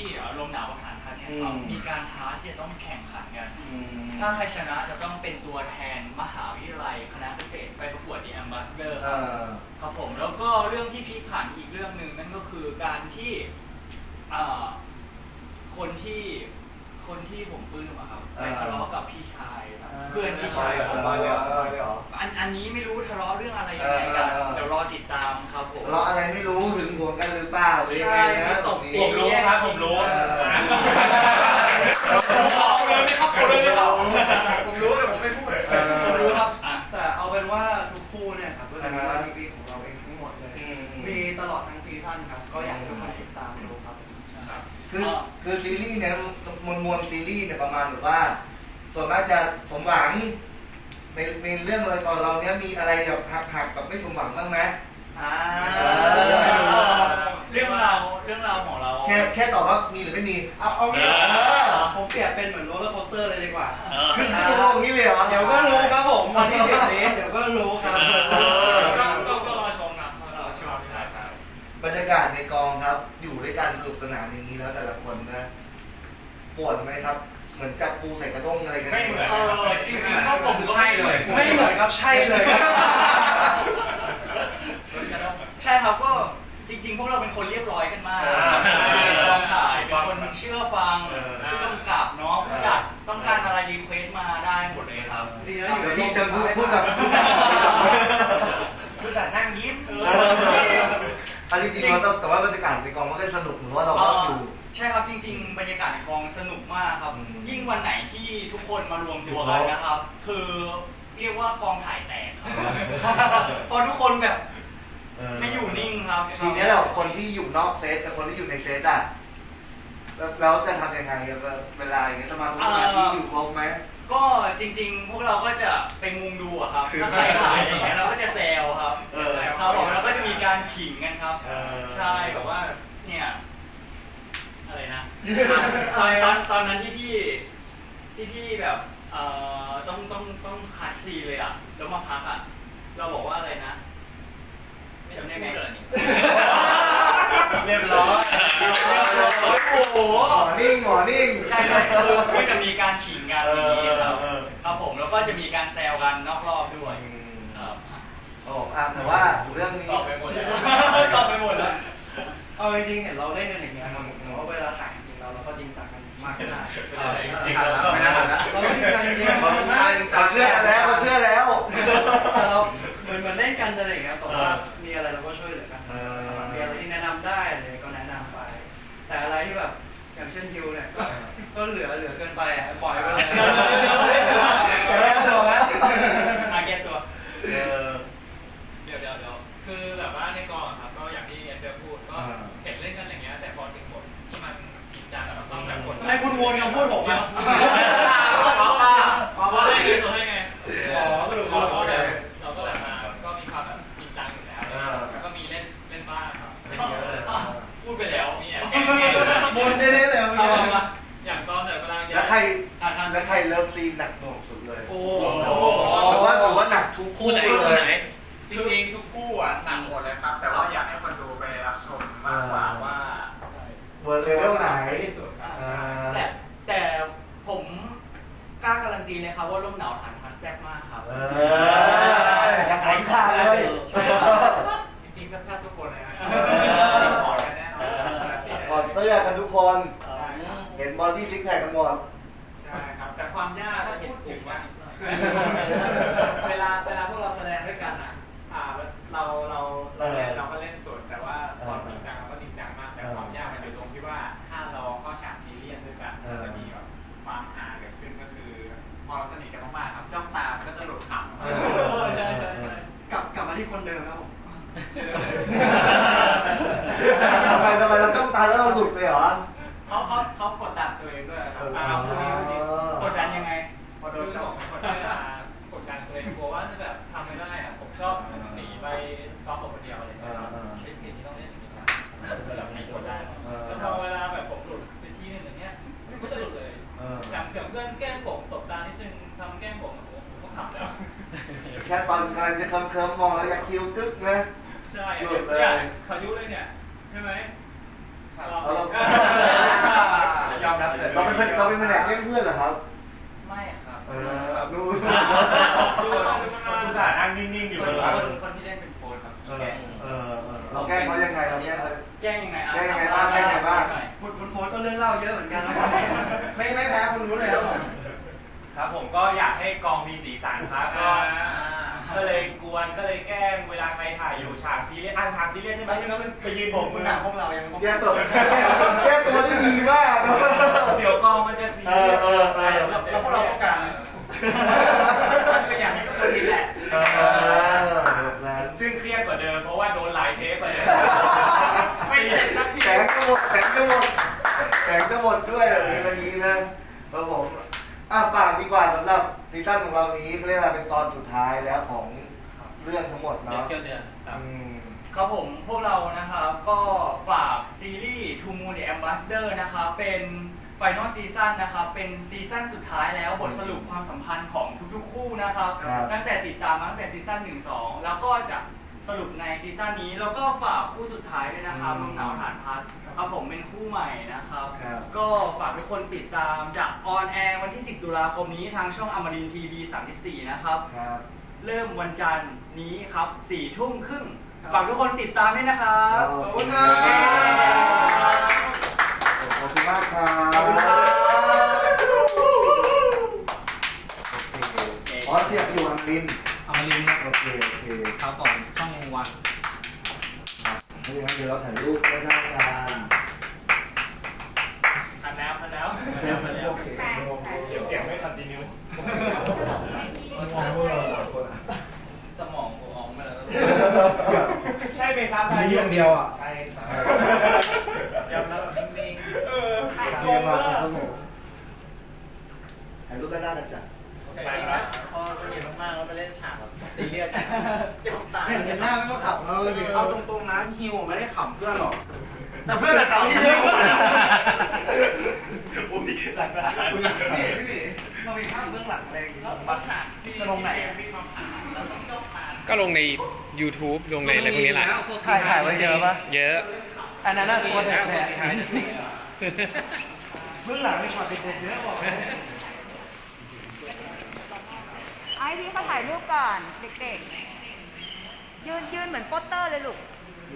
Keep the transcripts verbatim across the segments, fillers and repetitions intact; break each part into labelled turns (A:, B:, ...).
A: ลมหนาวฐานทัพเนี่ยครับมีการท้าที่จะต้องแข่งขันกันถ้าใครชนะจะต้องเป็นตัวแทนมหาวิทยาลัยคณะเกษตรไปประกวด The Ambassador ครับครับผมแล้วก็เรื่องที่พลิกผันอีกเรื่องหนึ่งนั่นก็คือการที่คนที่คนที่ผมปลื้มอะครับไปทะเลาะกับพี่ชายเพื่อนพี่ชายผมอันอันนี้ไม่รู้ทะเลาะเรื่องอะไรยังไงกันเดี๋ยวรอติดตามครับผม
B: ทะเลาะอะไรไม่รู้หึงหวงกันหรือเปล่าหรือยังไงนะ
A: ผมรู้ครับผมรู้ผมเลยไม่ครับผมเลยไม่ครับผมรู้แต่ผมไม่พูดผมรู้ครับ
C: แต่เอาเป็นว่าทุกคู่เนี่ยครับก็จะมีวาไรตี้ของเราเองทั้งหมดเลยมีตลอดทั้งซีซั่นครับก็อยากให้ทุกคนติดตามดูครับ
B: คือคือซีรีส์เนี่ยมวลมวลซีรีส์เนี่ยประมาณแบบว่าส่วนมากจะสมหวังในในเรื่องอะไรตอนเราเนี้ยมีอะไรแบบหักหักแบบไม่สมหวังบ้างไหม
C: อ่า
A: เรื่องราวเรื่องราวของเรา
B: แค่แค่ตอบว่ามีหรือไม่มี
C: เอาเอางี้ผมเปรียบเป็นเหมือนโรลเลอร์โคสเตอร์เลยดีกว่า
B: ขึ้นขึ้นลงนี่เลยเหรอ
C: เดี๋ยวก็รู้ครับผมวันที่สิบนี้เดี๋ยวก็รู้ครับ
A: ก็ก็รอชมนะรอชมใช่ใช่
B: บรรยากาศในกองครับอยู่ด้วยกันสนุกสนานอย่างนี้แล้วแต่ละคนนะปวดไหมครับเหมือนจับปูใส่กระด้งอะไรกัน
A: ไม่เหมือนจริงๆก็ผมใช่เลย
C: ไม่เหมือนครับใช่เลย
A: ใช่ครับก็จริงๆพวกเราเป็นคนเรียบร้อยกันมากกองถ่ายเป็นคนเชื่อฟังผู้กำกับเนาะผู้จัดต้องการอะไรรีเควสมาได้หมดเลยครับ
C: ดีนะอยู่
B: ที่จะพูดพูดกับ
A: ผู้จัดนั่งยิ้ม
B: อันจริงๆเราต้องแต่ว่าบรรยากาศในกองมันก็สนุกเหมือนว่าเราก็อยู่
A: ใช่ครับจริงๆบรรยากาศในกองสนุกมากครับยิ่งวันไหนที่ทุกคนมารวมตัวกันนะครับคือเรียกว่ากองถ่ายแตกครับพอทุกคนแบบไม่อยู่นิ่งครับ
B: ทีนี้เราคนที่อยู่นอกเซตกับคนที่อยู่ในเซตอ่ะแล้วจะทำยังไงเวลาอย่างเงี้ยสมาธิที่อยู่ครบไหม
A: ก็จริงๆพวกเราก็จะไปมุงดูอะครับถ้าใครถ่ายอย่างเงี้ยเราก็จะแซวครับครับผมแล้วก็จะมีการขิงกันครับใช่แบบว่าเนี่ยอะไรนะตอนตอนตอนนั้นที่พี่ที่พี่แบบเอ่อต้องต้องต้องคัดซีเลยอ่ะแล้วมาพักอ่ะเราบอกว่าอะไรนะไม่จำได้ไหมเลยนี่เรียบร้อยโอ้โห
B: หมอนิ่งหมอนิ่ง
A: ใช่เลยคือจะมีการขิงกันอย่างนี้ครับครับผมแล้วก็จะมีการแซวกันนอกรอบด้วยครับ
B: โอ้อ่ะแต่ว่าเรื่องนี้
A: ตอบไปหมดแล้วตอบไปหมดแล้ว
C: เอาจริงๆเห็นเราเล่นกันอย่างเงี้ยครับแต่ว่าเวลาถ่ายจริงๆเราเราก็จริงจังกันมากขนาด
A: จริงๆเราไม่น่าทำนะ
C: เราจริงจังจริงๆ
B: เราเชื่อแล้วเราเชื่อแล้ว
C: เราเหมือนเหมือนเล่นกันอะไรอย่างเงี้ยแต่ว่ามีอะไรเราก็ช่วยเหลือกันมีอะไรที่แนะนำได้เลยก็แนะนำไปแต่อะไรที่แบบอย่างเช่นฮิวเนี่ยก็เหลือเหลือเกินไปอ่ะปล่อยไปเลยแต่แก้ตัวไหม
A: อาแก้ตัว
D: เดี๋ยวเดี๋ยวเดี๋ยวคือแบบว่าในกองครับก็อย่างที่เอฟพูดก็เห็นเล่นกันอย่างเงี้ยแต่พอถึงบทที่มันจริงจังเราต้องแบบกด
C: ทำไมคุณวนคำพูดผมอ่ะ
D: อ๋ออ๋อให้ไงตัวให้ไง
C: อ๋อสรุป
D: เราก็แบบเราก็แบบมาก็มีความแบบจริงจังอยู่แล้วแล้วก็มีเล่นเล่นบ้างครับเล่นเยอะเลยพูดไปแล้วนี่แอบแก้
C: บนได้ได้แล้ว
D: อย่างตอนเดี๋ยวกำลังจะ
B: แล้วใครแล้วใครเลิฟซีนหนักหน่วงสุดเลย
C: โอ้
B: หรือว่าหรือว่าหนักทุก
A: คู่ไหนคู่ไหน
D: จริงๆทุกคู่อ่ะหนักหมดเลยครับแต่ว่าอยากให้คนดูไปรับชมมากกว่าว่า
B: เวอร์เลเวลไหน
A: แต่แต่ผมกล้าการันตีเลยครับว่าลมหนาวฐานทัสแซ่บมากครับ
B: อยากขายขาดเลย
A: ใช่ครับ
D: จริงๆแซ่บๆทุกคนเลยนะ
B: กอดแน่นอนกอดเสื้อกันทุกคนเห็นบอดี้ซิกแพคกันหมด
D: ใช่ครับแต่ความยากถ้าพูดถึงว่าเวลาเวลาพวกเราแสดงด้วยกันอ่ะเราเราเราเล่นเราก็เล่นสดแต่ว่าตอนจริงจังเราก็จริงจังมากแต่ความยากมันอยู่ตรงที่ว่าถ้าเราเข้าฉากซีเรียสด้วยกันจะมีแบบความหาเกิดขึ้นก็คือพอเราสนิทกันมากๆครับจ้องตาก็จะหลุดข
C: ำกลับกลับมาที่คนเดิมครับผม
B: ทำไมทำไมเราจ้องตาแล้วเราหลุดเลยเหรอ
D: เขาเขาเขากดดันตัวเองด้วยครับ
A: กดดันยังไง
D: พอโดนของกดดันกดดันตัวเองกลัวว่าจะแบบทำไม่ได้อะผมชอบหนีไปซ้อมคนเดียวอะไรอย่างเงี้ยใช้สิ่งที่ต้องเล่นอย่างนี้นะแบบไม่กดได้แล้วพอเวลาแบบผมหลุดไปที่นึงอย่างเงี้ยก็จะหลุดเลยอย่างเพื่อนแกล้งผมสบตานิดนึงทำแกล้งผมผมก็ขำแล้ว
B: แค่ตอนกำลังจะเคิมๆมองแล้วอยากคิ้วกึ๊กนะ
D: ใช่หลุดเลยขายุเลยเนี่ยใช่ไหม
B: เราเป็นเราเป็นแผนกแกล้งเพื่อนเหรอครับ
A: ไม่ครับ
B: เออดู
E: อุตส่าห์นั่งนิ่งๆอยู่
A: คน
E: ข้างหลัง
A: คนคนที่เล่นเป็นโฟนครับที่แกล้ง
B: เออเราแกล้งเขายังไงเราแกล้งเขา
A: แกล้งยังไงอ่ะ
B: แกล้งยังไงบ้างแกล้งยังไงบ้าง
C: คุณคุณโฟนก็เรื่องเล่าเยอะเหมือนกันนะครับไม่ไม่แพ้คุณรู้เลยครับผม
E: ครับผมก็อยากให้กองมีสีสันครับก็ก็เลยกวนก็เลยแกล้งเวลาใครถ่ายอยู่ฉากซีเรียสอ่ะฉากซีเรียสใช่ไหมไปยืนโบกมื
C: คุณ
E: อ
C: หนักพวกเรายังต้อง
B: แก้ตัวแก้ตัวได้ดีมาก
E: เดี๋ยวกองมันจะซีเรียส
B: เออเออเออ
E: เดี๋ยวมันจะ
C: แล้วพวกเราต้องการ
A: ก็อยากให้ทุกคนนี้แหละ
B: เออ
E: ซึ่งเครียดกว่าเดิมเพราะว่าโดนหลายเทปไปเลย
A: ไม่เสร็จสักที
B: แสงก็หมดแสงก็หมดแสงก็หมดด้วยแบบนี้วันนี้นะครับผมอ่ะฝากดีกว่าสำหรับซีซั่นของเรานี้เขาเรียกว่าเป็นตอนสุดท้ายแล้วของเรื่องทั้งหมด
A: เดือน
B: เนาะ
A: เกี่ยวเดือนครับ
B: อืม
A: ครับผมพวกเรานะครับก็ฝากซีรีส์ To Moon the Ambassador นะครับเป็นไฟนอลซีซั่นนะครับเป็นซีซั่นสุดท้ายแล้วบทสรุปความสัมพันธ์ของทุกๆคู่นะครับ
B: ครับ
A: ตั้งแต่ติดตามมาตั้งแต่ซีซั่นหนึ่งสองแล้วก็จะสรุปในซีซั่นนี้แล้วก็ฝากคู่สุดท้ายด้วยนะครับลมหนาวฐานพัดครับผมเป็นคู่ใหม่นะครับ
B: ครับ
A: ก็ฝากทุกคนติดตามจากออนแอร์วันที่สิบตุลาคมนี้ทางช่องอมรินทีวีสามสิบสี่นะครับ
B: ครับ
A: เริ่มวันจันทร์นี้ครับสี่ทุ่มครึ่งฝากทุกคนติดตามด้วยนะครับ
B: ขอบคุณครับ ขอบคุณมากครับ
A: ขอบคุณครับ
B: อ๋อเทียบอยู่อังลิน
A: อมรินทร์
B: โอเคโอเค
A: เขาก่อนช่องวัน
B: ถ้าอย่างนั้นเดี๋ยวเราถ่ายรูปได้ได้กัน
A: อันแล้วอันแล้ว
B: โอเค
E: เดี๋ยวเสียงไม่คอนติเนีย
A: สมองกูออกมาแล้ว
E: ใช่ไหมครับ
B: มีเรื่องเดียวอ่ะ
E: ใช่ครับ
A: ยอมรับแบบนิ่ง
E: เออ
B: เรียนมาครับผมถ่ายรูปด้านหน้ากันจ้ะ
A: ๆแต่ว่าพอสนิทมากๆแล้วไปเล่นฉากแบบซีเรียสจะตาย
C: เห็นเห็นหน้าไม่ก็ขับเราเลย
F: เอาตรงๆนะฮิวไม่ได้ขำเพื่อนหรอก
C: แต่เพื่อนแต่เขาที่เยอะ
E: อุ้ยหลักฐาน
C: พี่พี่พี่เรามีภาพเบื้องหลังอะไรอย่างงี้บ้างจะลงไหน
G: ก็ลงใน YouTube ลงในอะไรพวกนี้แหละ
C: ถ่ายถ่ายไว้เยอะปะ
G: เยอะ
C: อันนั้นน่ะตัวแทนเบื้องหลังมีช็อตเด็ดๆเยอะบอกเลย
H: ไอ้พี่เขาถ่ายรูปก่อนเด็กๆ ยืนยืนเหมือนโปสเตอร์เลยลูก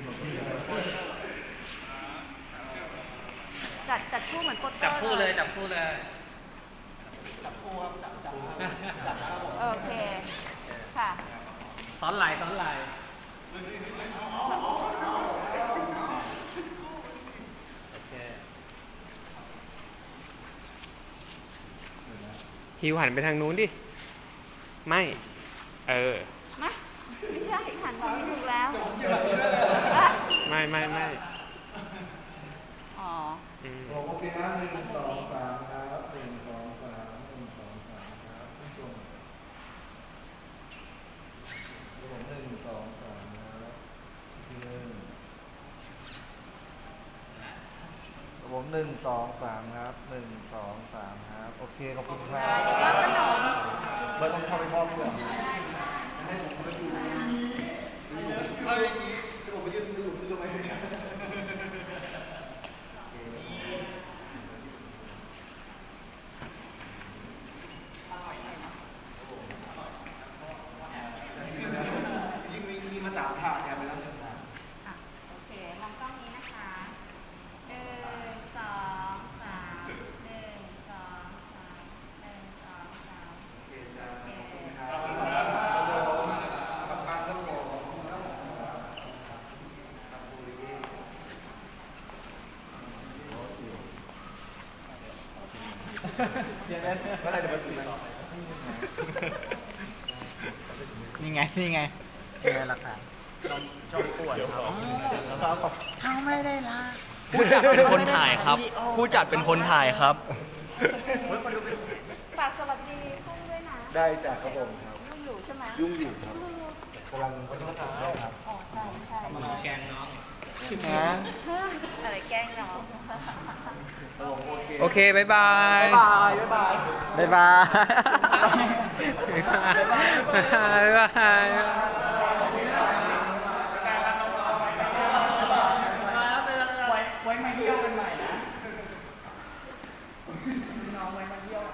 H: จัดจัดคู่เหมือนโปสเตอร์
G: จับคู่เลย จับคู่เลย
C: จับคู่ครับจับจับจับนะครับผม
H: โอเค ค่ะ
G: ซ้อนลายซ้อนลาย ฮิวหันไปทางนู้นดิ ไม่ เออ
H: มาไม่ใช่หันมาไม่ถูกแล้ว
G: ไม่ไม่ไม่
H: อ๋อ
G: อืม
B: โอเคนะหนึ่งสองสามครับหนึ่งสองสามหนึ่งสองสามครับผมหนึ่งสองสามครับหนึ่งผมหนึ่งสองสามครับหนึ่งสองสามครับโอเคขอบคุณครับ
H: เดี๋ยวรับขนม
B: เบิร์ดต้องเข้าไปมอบเพื่อน จริงๆมีมีมาตามผ่านกันไปแล้ว
H: อ่ะโอเคมองกล้องนี้นะคะหนึ่งสองสามหนึ่งสองสามหนึ่งสองสาม
B: โอเคจ้าขอบคุณครับปังปังครับผมครับบุรีเมื่อไหร่จะมาถึงไหน
A: นี่ไง นี่ไงเป็นไงล่ะครับชอบปวดครับแล้วก็บอกเขาไม่ได้ละผู้จัดเป็นคนถ่ายครับ ผู้จัดเป็นคนถ่ายครับ
H: ฝากสวัสดีพุ่งด้วยนะ
B: ได้จากครับผมครับ
H: ยุ่งอยู่ใช่ไหม
B: ยุ่งอยู่ครับกำลังวัฒนธรรมได้ครับ
H: อ๋อใช่ใช่
A: แกงน้อง
B: นะ
H: อะไรแกล้งน้อง
G: โอเค บ๊ายบาย
A: บายบ๊ายบาย
G: บ๊ายบาย บ๊ายบาย บ๊ายบาย
A: ไว้ไว้มาเที่ยวกันใหม่นะ
I: น้องไว้น